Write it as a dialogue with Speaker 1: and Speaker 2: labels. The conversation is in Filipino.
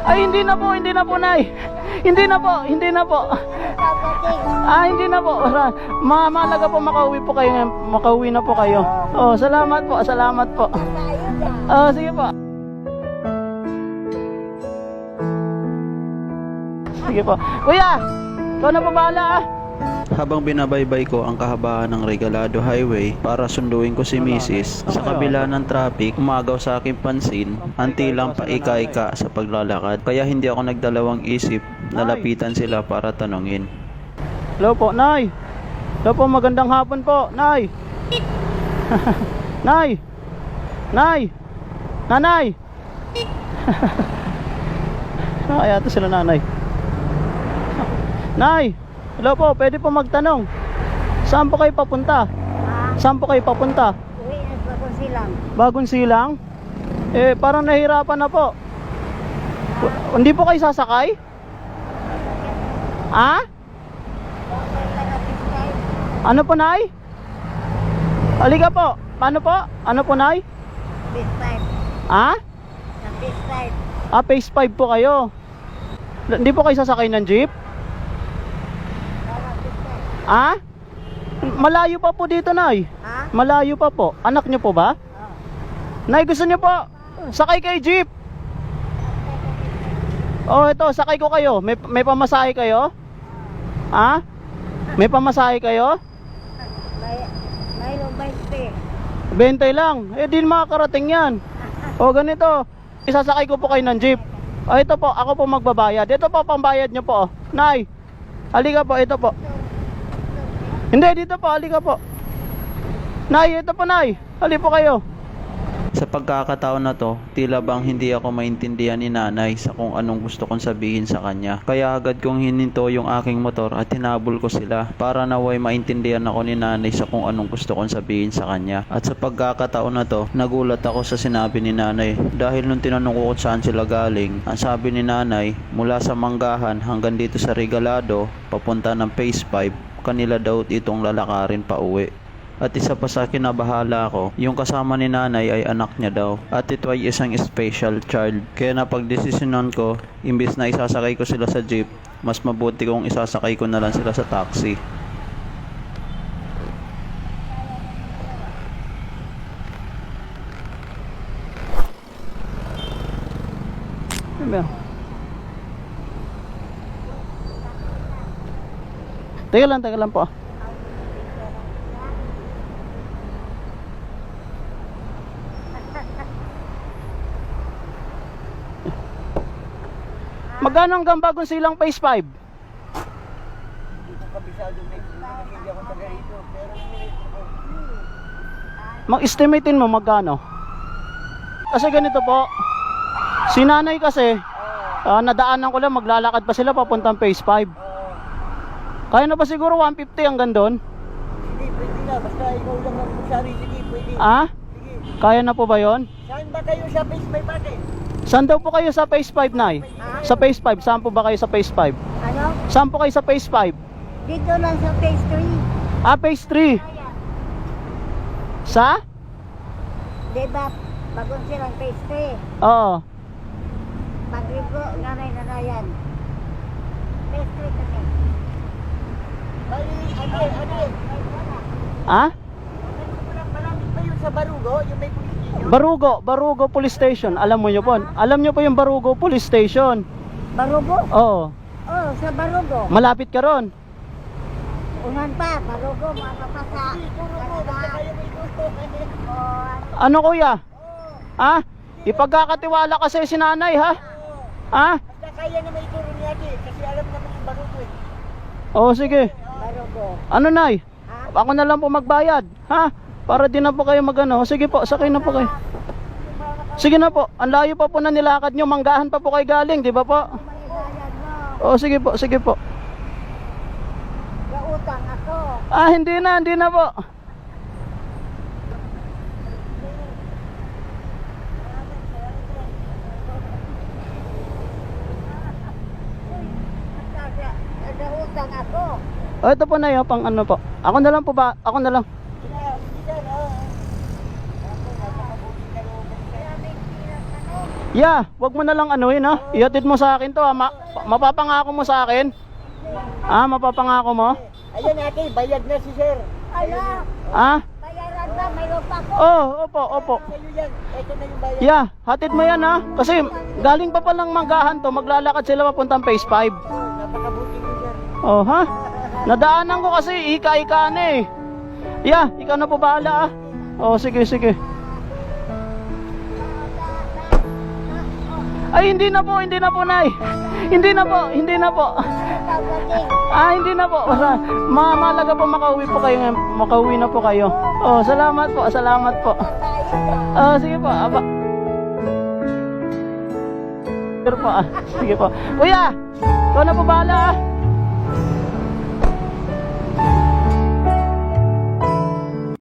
Speaker 1: Ay, hindi na po, Nay. Hindi na po.
Speaker 2: Dating.
Speaker 1: Hindi na po. Mahalaga po makauwi po kayo. Makauwi na po kayo. Oh, salamat po.
Speaker 2: Tayo dyan.
Speaker 1: Oh, sige po. Sige po. Kuya, ikaw na po bahala ah.
Speaker 3: Habang binabaybay ko ang kahabaan ng Regalado Highway para sunduin ko si Mrs. sa kabila ng traffic, umagaw sa aking pansin ang tilang paika-ika sa paglalakad. Kaya hindi ako nagdalawang isip na lapitan sila para tanungin.
Speaker 1: Hello po, Nay. Hello po, magandang hapon po, Nay. Nay. Nanay. Kaya ito sila nanay. Nay. Hello po, pwede po magtanong. Saan po kayo papunta? Saan po kayo papunta?
Speaker 2: Uwi na sa Bagong Silang.
Speaker 1: Bagong Silang? Parang nahirapan na po. Hindi po kayo sasakay? Ano po, Nay? Halika po. Paano po? Ano po, Nay?
Speaker 2: Phase 5. Sa Phase 5.
Speaker 1: Phase 5 po kayo. Hindi po kayo sasakay ng jeep? Malayo pa po dito, Nay. Malayo pa po. Anak niyo po ba? Nay, gusto niyo po sakay kay jeep? Oh, ito, sakay ko kayo. May pamasahe kayo? May pamasahe kayo?
Speaker 2: Mayroong 20.
Speaker 1: 20 lang. Di makakarating yan. O, ganito. Isasakay ko po kayo ng jeep. Ito po, ako po magbabayad. Ito po, pambayad niyo po. Nay, halika po, ito po. Hindi, dito po, halika po. Nay, ito po, Nay. Hali po kayo.
Speaker 3: Sa pagkakataon na to, tila bang hindi ako maintindihan ni nanay sa kung anong gusto kong sabihin sa kanya. Kaya agad kong hininto yung aking motor at hinabol ko sila para naway maintindihan ako ni nanay sa kung anong gusto kong sabihin sa kanya. At sa pagkakataon na to, nagulat ako sa sinabi ni nanay dahil nung tinanong ko kung saan sila galing, ang sabi ni nanay, mula sa Manggahan hanggang dito sa Regalado, papunta ng Phase 5, kanila daw itong lalakarin pa uwi. At isa pa sa kinabahala ko, yung kasama ni nanay ay anak niya daw. At ito ay isang special child. Kaya napagdesisyonan ko, imbis na isasakay ko sila sa jeep, mas mabuti kong isasakay ko na lang sila sa taxi.
Speaker 1: Teka lang po. Magkano hanggang Bagong Silang Phase 5?
Speaker 4: Hindi ko kabisado, may hindi ako taga rito, pero
Speaker 1: Mag-estimatein mo magkano? Kasi ganito po, si nanay kasi, nadaanan ko lang, maglalakad pa sila papuntang Phase 5. Kaya na ba siguro 150 hanggang doon?
Speaker 4: hindi, pwede na, basta ikaw lang ang magsari, sige, pwede. Sige.
Speaker 1: Kaya na po ba yon?
Speaker 4: Saan ba kayo sa Phase 5 ate?
Speaker 1: Saan daw po kayo sa Phase 5, Nay? Sa Phase 5, saan po ba kayo sa Phase 5?
Speaker 2: Ano?
Speaker 1: Saan po kayo sa Phase 5?
Speaker 2: Dito lang sa Phase 3.
Speaker 1: Phase 3. Sa?
Speaker 2: Diba, Bagong Silang Phase 3.
Speaker 1: Oo.
Speaker 2: Pagrigo, nanay-nanayan. Phase 3 kami.
Speaker 4: Ate, malapit pa yun sa Barugo, yung may police station.
Speaker 1: Barugo Police Station. Alam mo nyo po. Alam nyo po yung Barugo Police Station.
Speaker 2: Barugo?
Speaker 1: Oo.
Speaker 2: Oh, sa Barugo.
Speaker 1: Malapit ka ron.
Speaker 2: Unan pa, Barugo, mapapasa.
Speaker 1: Ano kuya? Ipagkakatiwala kasi si nanay ha?
Speaker 4: Basta kaya na may ituro ni ate, kasi alam naman yung Barugo eh.
Speaker 1: Oo, sige.
Speaker 2: Barugo.
Speaker 1: Ano, Nay?
Speaker 2: Ha?
Speaker 1: Ako na lang po magbayad, ha? Para di na po kayo magano. Sige po, sakay na po kayo. Sige na po. Ang layo pa po na nilakad nyo. Manggahan pa po kayo galing, di ba po?
Speaker 2: Malibayad mo.
Speaker 1: Oo, sige po, sige po.
Speaker 2: Gautang ako.
Speaker 1: Hindi na po.
Speaker 2: Gautang ako.
Speaker 1: Ito po na yun, pang ano po. Ako na lang po ba? Ako na lang. Yeah, wag mo na lang anuhin ha. Ihatid mo sa akin to ha. Mapapangako mo sa akin. Ah, mapapangako mo?
Speaker 4: Ayan ate, bayad na si sir.
Speaker 2: Ala,
Speaker 1: Ah?
Speaker 2: bayaran ba? Mayroon pa ko.
Speaker 1: Oh, opo.
Speaker 4: Sa'yo yan, ito na yung bayad.
Speaker 1: Yeah, hatid mo yan ha. Kasi galing pa palang manggahan to, maglalakad sila papuntang phase 5.
Speaker 4: Napakabuti mo sir.
Speaker 1: Oh, ha? Nadaanan ko kasi, ika-ika na eh. Yeah, ikaw na po bahala ah. Oh, sige. Ay, hindi na po, Nay. Hindi na po. Ah, hindi na po. Mahalaga po makauwi po kayo ngayon. Makauwi na po kayo. Oh, salamat po. Oh, sige po. Aba. Sige po. Kuya, ikaw na po bahala ah.